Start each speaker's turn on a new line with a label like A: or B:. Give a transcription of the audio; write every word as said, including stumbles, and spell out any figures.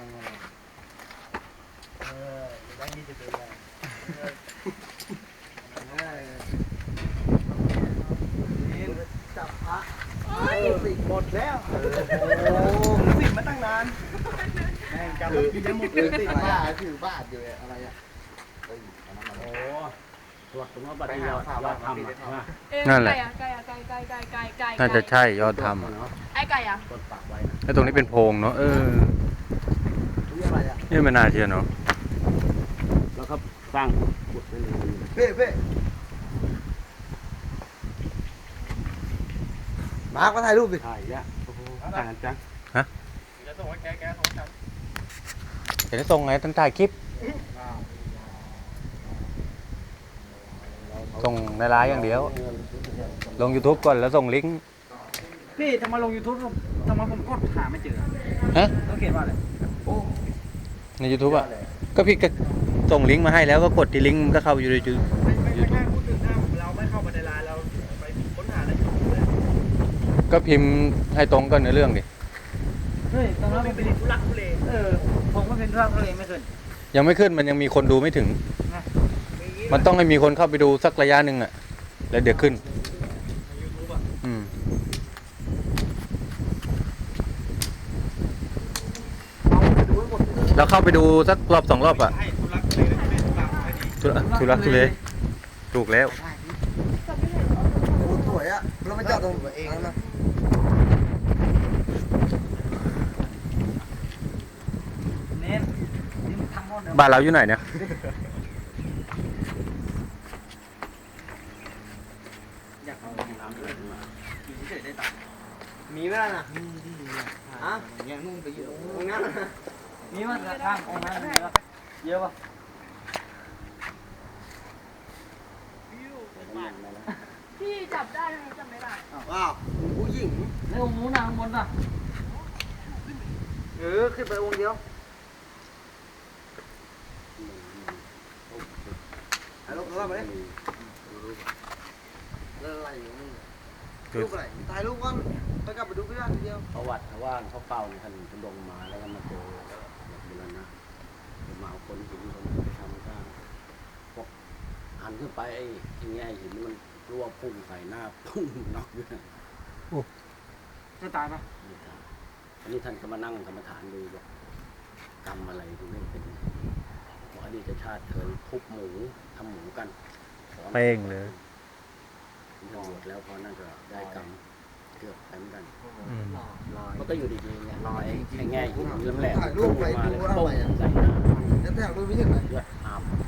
A: เออได้ยี่สิบเลยจับพระสิหมดแล้วโอ้สิมาตั้งนานแม่งจำกินได้หมดเลยสิบ้าถือบาทอยู่อะไรอ่ะโอ้ตรวจตรงว่าบัตรยอดยอดทำอ่ะ
B: นั่นแหละ
C: ไก่อะไก่อะไก่ไก่ไก่ไก่ไก่
B: น่าจะใช่ยอดทำอ่ะ
C: ไอ้ไก่อะ
A: กดปากไว้
B: แล้วตรงนี้เป็นโพรงเนาะเออ
A: นี่อะไรอ่ะ
B: นี่ไม่น่าเชื่อเนาะ
A: แล้วก็สร้างขุดไปเลยเพ่เพ่มาร์คมาถ่ายรูปดิถ่ายเนี่ยโอ้โหต่างกันจัง
D: จะส่งให้แกแกส่งให้ฉัน
B: เห็นส่งไงท่านถ่ายคลิปส่งในไลน์อย่างเดียว ลง YouTube ก่อนแล้วส่งลิงก์
D: พี่ทำไมลง YouTube ทำไมผมกดหาไม่เจอ
B: ฮะ
D: ต้องเขียนว่าอะไร
B: ใน YouTube อ่ะก็พี่ก็ส่งลิงก์มาให้แล้วก็กดที่ลิงก์มันก็เข้าอยู่ในยู
D: ไม่ไม่ไม่แค่พูดถึงถ้าเราไม่เข้าไปในไลน์เราไปค้นหาในยูทูบเลย
B: ก็พิมพ์ให้ตรงกันในเรื่องดิ
D: เฮ้ยตอนนั้นมันเป็นทุลักทุเลเออผมก็เป็นทุลักทุเลไม่เคย
B: ยังไม่ขึ้นมันยังมีคนดูไม่ถึง มันต้องให้มีคนเข้าไปดูสักระยะหนึ่งอ่ะแล้วเดี๋ยวขึ้น
D: ในยูทูบอ่ะ
B: อืมเราเข้าไปดูสักรอบสองรอบอ่ะ
D: ให้ทุลักทุเลทุเลทุลักให้ดี
B: ทุลักทุลักทุเลถูกแล้ว
A: สวยอ่ะเรามาจอดตรงเองนะ
D: เน้นนี่มันทำหมดเลย
B: บ้านเราอยู่ไหนเนี่ย
D: อยากเอาน้ำด้วยมากินเฉยๆได้ตังค์
A: มีไหมล่ะน่ะมีที่มีอ่ะฮะยังนุ่งไปอยู่ตรงนั้น
D: มีมั้ยข้างองค์นั้นมีปะเยอะปะ
C: พี่จับได้ไหมจับไม่ได้
A: ว้าวผู้หญิง
D: ในองค์นู้นนะข้างบนน่ะ
A: เออขึ้นไปองค์เดียวถ่ายรูปถ่ายรูปมาดิอะไรอยู่นี่รูปอะไรถ่ายรูปก่อนไปกลับไปดูพี่ด้านทีเดียว
E: ประวัติเขาว่าเขาเป่าในท่านทุดงมาแล้วก็มาเจอแบบบุรณะมาเอาคนหินคนไปทำก้างพวกหันขึ้นไปไอ้อย่างเงี้ยหินมันรั่วพุ่งใส่หน้าพุ่งน็อกอยู่นะ
D: จะตายปะ
E: อันนี้ท่านก็มานั่งกรรมฐานดูว่ากรรมอะไรถึงได้เป็นบอกอดีตชาติเคยทุบหมูทำหมูกัน
B: เป้งเลย
E: ตำรวจแล้วพอนั่นก็ได้กรรมเกือบไปเหมือนกัน
B: อืม
E: มันก็อยู่ดีๆเนี่ยลอยไอ้แง่หินแหลม
A: ถ่ายรูปไป
E: มา
A: ดู
E: เลย
A: ว่าอะ
E: ปุ้ง
A: ไรอ่ะ
E: ใส่หน้า
A: แล้วถ่ายรูปไปยังไง
E: เลือดอาบ